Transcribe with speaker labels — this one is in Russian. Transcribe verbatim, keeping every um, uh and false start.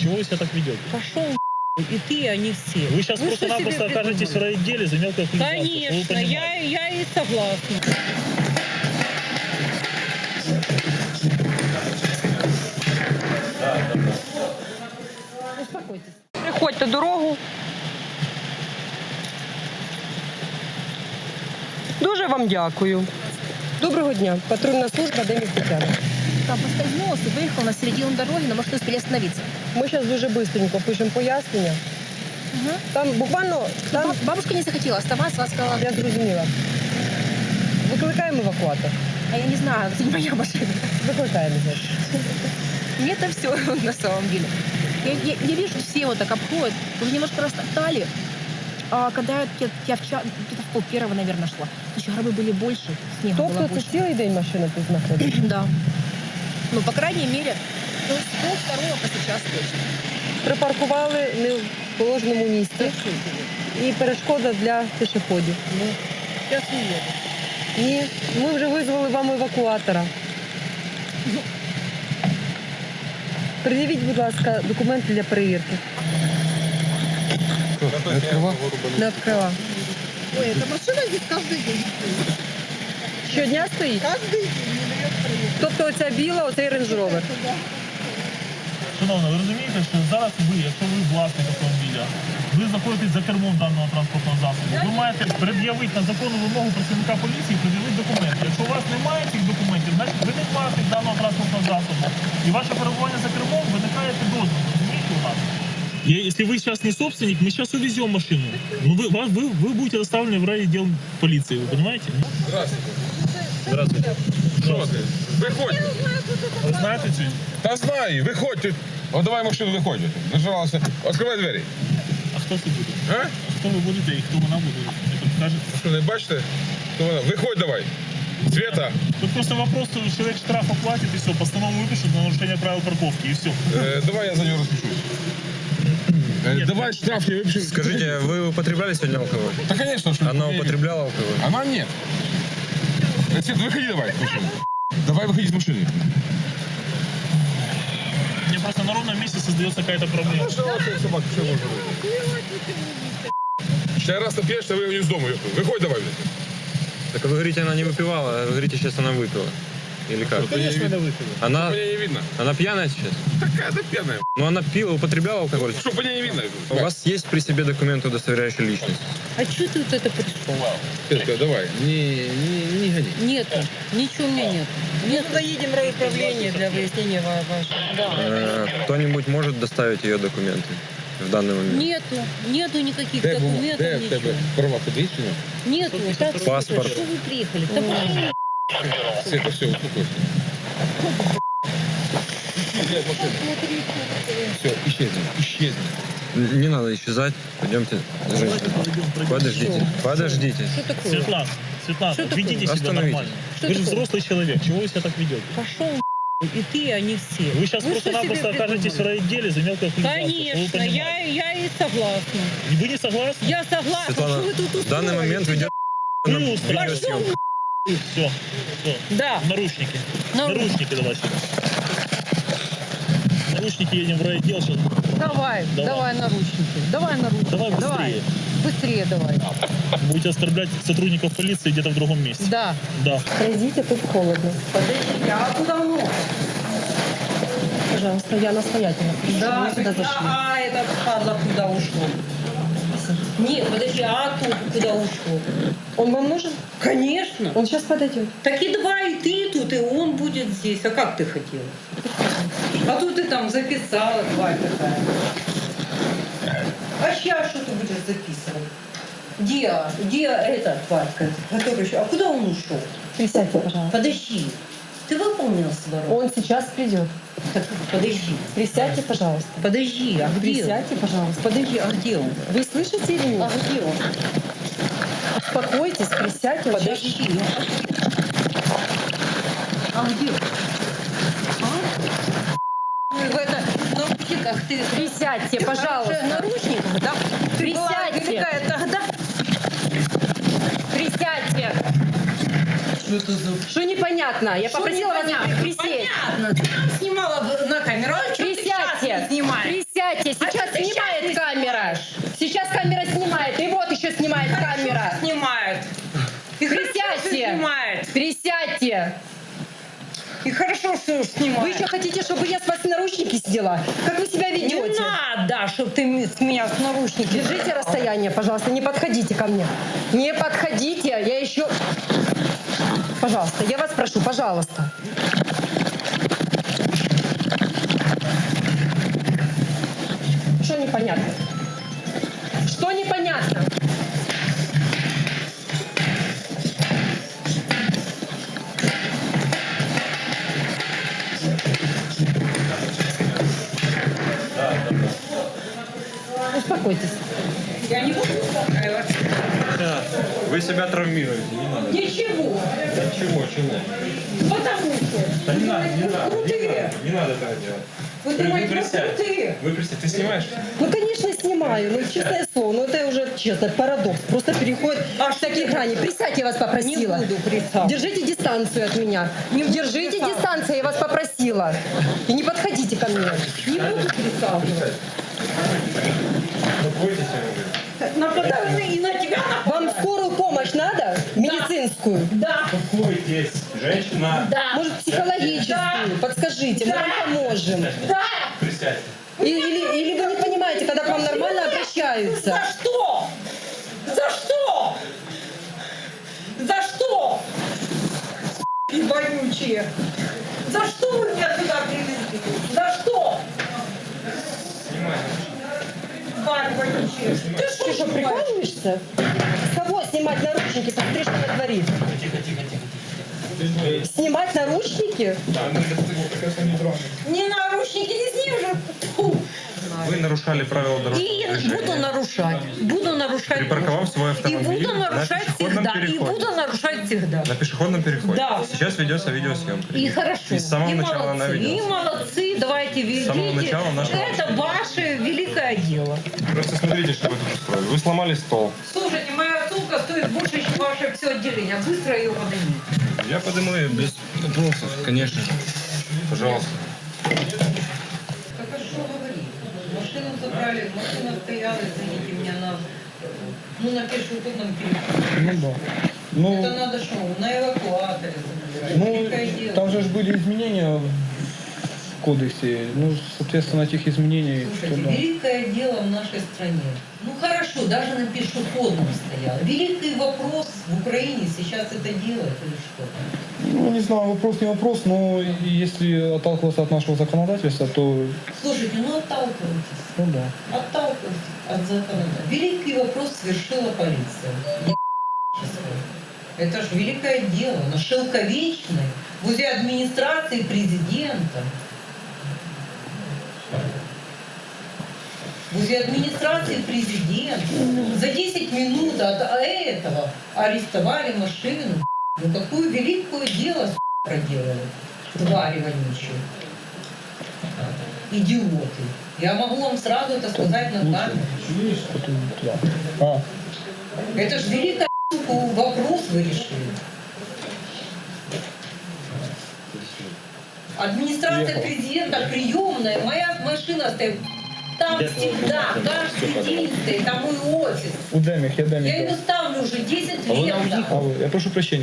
Speaker 1: Чего вы себя так ведете?
Speaker 2: Пошел и ты, и они все.
Speaker 1: Вы сейчас
Speaker 2: Вы
Speaker 1: просто-напросто окажетесь в райотделе за мелкое хулиганство.
Speaker 2: Конечно, я, я и согласна. Успокойтесь. Приходьте дорогу. Дуже вам дякую. Доброго дня. Патрульна служба Демів Тетяна.
Speaker 3: Там поскользнулась и выехал на середину дороги, но может не успели остановиться.
Speaker 2: Ми зараз дуже швидко пишемо пояснення.
Speaker 3: Угу.
Speaker 2: Там буквально... Там...
Speaker 3: Бабушка не захотела оставаться, она сказала...
Speaker 2: Я зрозуміла. Викликаємо евакуатор.
Speaker 3: А я не знаю, это не моя машина.
Speaker 2: Викликаємо, значить.
Speaker 3: Мне это все на самом деле. Я, я, я вижу, что все вот так обходят. Уже немножко растоптали. А когда я, я вчера, где-то в пол первого, наверное, шла, еще гробы были больше, снега было
Speaker 2: Тобто це
Speaker 3: больше.
Speaker 2: цілий день машина тут знаходиться?
Speaker 3: Да. Ну, по крайней мере, ну, с пол второго по сейчас точно.
Speaker 2: Припаркували не в положеному місці. І перешкода для пішоходів.
Speaker 3: Ну, сейчас не еду.
Speaker 2: Ні, ми вже визвали вам евакуатора. Пред'явіть, будь ласка, документи для перевірки. Не відкрила.
Speaker 4: Ой, эта машина здесь каждый день.
Speaker 2: Щодня стоїть?
Speaker 4: Каждый день не дает проехать.
Speaker 2: Тобто оця біла, оцей Range Rover.
Speaker 1: Шановна, ви розумієте, що зараз ви, якщо ви власник автомобіля, ви знаходитесь за кермом даного транспортного засобу, ви маєте пред'явити на законну вимогу працівника поліції, пред'явити документи. Якщо у вас немає цих документів, значить ви не власник даного транспортного засобу. І ваше перебування за кермом виникає підозра. Розумієте у нас? Я, если вы сейчас не собственник, мы сейчас увезем машину. Ну, вы, вас- вы, вы будете доставлены в райотдел полиции, вы понимаете?
Speaker 5: Здравствуйте.
Speaker 1: Здравствуйте.
Speaker 5: Що ти? Виходь.
Speaker 1: Вы знаете цю?
Speaker 5: Та знаю, виходь. О, давай машину, виходь. Нажалася. Відкривай двері.
Speaker 1: А хто це буде?
Speaker 5: А?
Speaker 1: А хто ви будете і хто вона буде? Не підкажете?
Speaker 5: Що, не бачите? Хто вона? Виходь давай. Света,
Speaker 1: Тут просто вопрос, что человек штраф оплатит и все, постанову выпишут на нарушение правил парковки и все.
Speaker 5: е, давай я за нього розпишусь. Е, давай штраф я выпишу.
Speaker 6: Скажите, вы употребляли сегодня алкоголь?
Speaker 5: Да, конечно, что
Speaker 6: Она
Speaker 5: не-
Speaker 6: употребляла алкоголь?
Speaker 5: Она нет. Э, Свет, выходи давай из машины. Давай выходи из машины.
Speaker 1: Мне просто на ровном месте создается какая-то проблема.
Speaker 5: Сейчас раз напьешь, что вы из дома. Выходь давай. блин.
Speaker 6: Так вы говорите, она не выпивала, а вы говорите, сейчас она выпила. Или как?
Speaker 5: Конечно, она выпила.
Speaker 6: Она,
Speaker 5: Меня не видно.
Speaker 6: она пьяная сейчас?
Speaker 5: Какая-то пьяная.
Speaker 6: Ну она пила, употребляла алкоголь?
Speaker 5: Что, по ней не видно?
Speaker 6: У вас есть при себе документы, удостоверяющие личность?
Speaker 2: А что ты вот это пришел?
Speaker 5: Светка, давай, не, не, не гони.
Speaker 2: Нету. Ничего у меня нет. Мы туда едем в райуправление для выяснения ва- вашего.
Speaker 6: Э, Кто-нибудь может доставить ее документы в данный момент?
Speaker 2: Нету. Нету никаких
Speaker 5: Де, бу-
Speaker 2: документов,
Speaker 5: де в
Speaker 2: ничего.
Speaker 5: тебе права подвищені?
Speaker 2: Нету. Так,
Speaker 6: Паспорт.
Speaker 2: Что вы приехали? Да блин.
Speaker 5: Света, все, успокойся. Все, исчезни, исчезни.
Speaker 6: Н- Не надо исчезать. Пойдемте, женщина. Подождите, подождите.
Speaker 2: Что такое?
Speaker 1: Светлана, Светлана,
Speaker 2: Что такое?
Speaker 1: ведите себя
Speaker 6: Остановитесь.
Speaker 1: нормально.
Speaker 2: Что
Speaker 1: Вы же
Speaker 2: такое?
Speaker 1: взрослый человек, чего вы себя так ведете?
Speaker 2: Пошел и ты, и они все.
Speaker 1: Вы сейчас
Speaker 2: Вы что
Speaker 1: просто-напросто
Speaker 2: себе
Speaker 1: окажетесь в
Speaker 2: придумали?
Speaker 1: райотделе за мелкое хулиганство. Вы
Speaker 2: Конечно, я,
Speaker 1: понимаете?
Speaker 2: я и согласна.
Speaker 1: Вы не согласны?
Speaker 2: Я согласна.
Speaker 6: Светлана,
Speaker 2: Что вы тут
Speaker 6: в данный
Speaker 2: устроили?
Speaker 6: момент ведет
Speaker 1: Вы
Speaker 6: на
Speaker 1: устраиваете.
Speaker 6: видеосъемку.
Speaker 1: Все, все.
Speaker 2: Да.
Speaker 1: Наручники.
Speaker 2: Нару-
Speaker 1: Наручники давай сюда. Наручники едем в райотдел сейчас.
Speaker 2: Давай,
Speaker 1: Давай.
Speaker 2: давай, наручники. Давай наручники.
Speaker 1: Давай быстрее.
Speaker 2: Быстрее давай.
Speaker 1: Будете оскорблять сотрудников полиции где-то в другом месте.
Speaker 2: Да.
Speaker 1: Да.
Speaker 2: Пройдите, тут холодно. Подождите, а куда он? Пожалуйста, я настоятельно. Да, вы сюда зашли. А, это падла куда ушло? Нет, подожди, а тут куда ушло? Он вам нужен? Конечно. Он сейчас подойдет.
Speaker 7: Так и давай, и ты тут, и он будет здесь. А как ты хотела? А тут ты там записала, тварь такая. А сейчас что ты будешь записывать? Где, где эта тварь, которая еще? А куда он ушел?
Speaker 2: Присядьте, пожалуйста.
Speaker 7: Подожди. Ты выполнил свою работу?
Speaker 2: Он сейчас придет.
Speaker 7: Так, подожди.
Speaker 2: Присядьте, пожалуйста.
Speaker 7: Подожди, а где он?
Speaker 2: Присядьте, пожалуйста.
Speaker 7: Подожди, а где он?
Speaker 2: Вы слышите или нет?
Speaker 7: А где он?
Speaker 2: Успокойтесь, присядьте. он сейчас-
Speaker 7: Подожди. А где он? А? Ну, в это, наручниках ты...
Speaker 2: Присядьте,
Speaker 7: Ты
Speaker 2: пожалуйста.
Speaker 7: хорошая в наручниках, да? Ты была
Speaker 2: Присядьте.
Speaker 7: великая тогда.
Speaker 2: Присядьте.
Speaker 7: Что это за...
Speaker 2: Что непонятно? Я
Speaker 7: Что
Speaker 2: попросила вас
Speaker 7: непонятно?
Speaker 2: присесть.
Speaker 7: Понятно. Ты там снимала в- на камеру, а что ты сейчас
Speaker 2: Присядьте.
Speaker 7: не снимаешь?
Speaker 2: Присядьте.
Speaker 3: Присядьте, сейчас
Speaker 7: ты
Speaker 3: снимает
Speaker 7: щас не
Speaker 3: камера. Сейчас камера снимает, и вот еще снимает камера.
Speaker 7: Снимает. И хорошо, что
Speaker 3: Присядьте.
Speaker 7: снимает.
Speaker 3: Присядьте.
Speaker 7: И хорошо, что снимает.
Speaker 3: Вы еще хотите, чтобы я с вас наручники сняла? Как вы себя
Speaker 7: Не
Speaker 3: ведете?
Speaker 7: надо, чтобы ты ми- с меня с наручники.
Speaker 3: Держите расстояние, пожалуйста, не подходите ко мне. Не подходите, я еще... Пожалуйста, я вас прошу, пожалуйста. Что непонятно? Что непонятно? Успокойтесь.
Speaker 7: Я не буду успокаиваться.
Speaker 6: Вы себя травмируете, не надо.
Speaker 7: Ничего.
Speaker 6: Чего, чего?
Speaker 7: Потому что.
Speaker 6: Да не надо, не
Speaker 7: вы
Speaker 6: надо, не
Speaker 7: крутые.
Speaker 6: надо, не надо так делать.
Speaker 7: Вы
Speaker 6: Вы
Speaker 7: думаете, вы
Speaker 6: присядь.
Speaker 7: крутые.
Speaker 6: Вы присядь, ты снимаешь?
Speaker 3: Ну, конечно, снимаю, ну, честное слово, ну, это уже, честно, парадокс. Просто переходит аж в такие грани. Присядьте, я вас попросила.
Speaker 7: Не буду присядать.
Speaker 3: Держите дистанцию от меня. Держите
Speaker 7: присаживаться.
Speaker 3: дистанцию, я вас попросила. И не подходите ко мне.
Speaker 7: Не буду присаживаться.
Speaker 6: Бойтесь, я говорю.
Speaker 7: Нападаю и на тебя
Speaker 3: Вам
Speaker 7: нападаю.
Speaker 3: скорую помощь надо? Медицинскую?
Speaker 7: Да.
Speaker 6: Успокойтесь, женщина.
Speaker 7: Да.
Speaker 3: Может, психологическую?
Speaker 7: Да.
Speaker 3: Подскажите, мы
Speaker 7: Да.
Speaker 3: вам поможем.
Speaker 7: Да.
Speaker 6: Присядьте.
Speaker 3: И- Или, или вы не понимаете, когда к вам нормально обращаются?
Speaker 7: За что? За что? За что? И вонючие. За что вы меня сюда привезли? За что?
Speaker 6: Снимай.
Speaker 7: Тварь вонючая. Ты
Speaker 3: Ты
Speaker 7: что
Speaker 3: что,
Speaker 7: снимаешь?
Speaker 3: прикалываешься? С кого снимать наручники? Посмотри, что она творит.
Speaker 6: Тихо, тихо, тихо.
Speaker 3: Снимать наручники?
Speaker 7: Не наручники, не с ним же. Фу.
Speaker 6: Вы нарушали правила дорожного
Speaker 7: И
Speaker 6: движения.
Speaker 7: буду нарушать. Буду нарушать.
Speaker 6: Припарковав свой
Speaker 7: И
Speaker 6: автомобиль
Speaker 7: буду нарушать
Speaker 6: на пешеходном
Speaker 7: всегда. И
Speaker 6: переходе.
Speaker 7: буду нарушать всегда.
Speaker 6: На пешеходном переходе.
Speaker 7: Да.
Speaker 6: Сейчас ведется видеосъемка.
Speaker 7: И хорошо.
Speaker 6: И с самого
Speaker 7: и
Speaker 6: начала она
Speaker 7: молодцы. И
Speaker 6: ведется.
Speaker 7: молодцы. Давайте ведите.
Speaker 6: самого начала нашего
Speaker 7: Это ваше великое дело.
Speaker 6: Просто смотрите, что вы тут устроили. Вы сломали стол.
Speaker 7: Слушайте, моя сумка стоит больше, чем ваше все отделение. Быстро ее поднимите.
Speaker 6: Я подниму ее без вопросов, конечно. Пожалуйста.
Speaker 7: Так а что говорить? Машину забрали, машина стояла, извините меня, на, ну, на пешеходном переходе.
Speaker 8: Ну да. Ну,
Speaker 7: Это надо что, на эвакуаторе забирать. Великое
Speaker 8: ну
Speaker 7: дело.
Speaker 8: там же ж были изменения в кодексе. Ну, соответственно, этих изменений.
Speaker 7: Слушайте,
Speaker 8: что да.
Speaker 7: великое дело в нашей стране. Ну хорошо, даже на пешеходном стояло. Великий вопрос в Украине сейчас это делает или что?
Speaker 8: Ну, не знаю, вопрос не вопрос, но если отталкиваться от нашего законодательства, то,
Speaker 7: Слушайте, ну отталкивайтесь.
Speaker 8: ну да.
Speaker 7: Отталкивайтесь от законодательства. Великий вопрос совершила полиция. Это же великое дело. На Шелковечной, возле администрации президента. Возле администрации президента за десять минут от этого арестовали машину. Ну какое великое дело проделали. Твари вонючие. Идиоты. Я могу вам сразу это сказать на камеру.
Speaker 8: Потом туда. А,
Speaker 7: Это же великий вопрос вы решили. Администрация президента приемная, моя машина стоит. Там всегда, каждый день стоит, там мой офис.
Speaker 8: у Деміх, я
Speaker 7: Я
Speaker 8: Деміх.
Speaker 7: ее ставлю уже десять лет.
Speaker 8: А ви, я прошу прощения.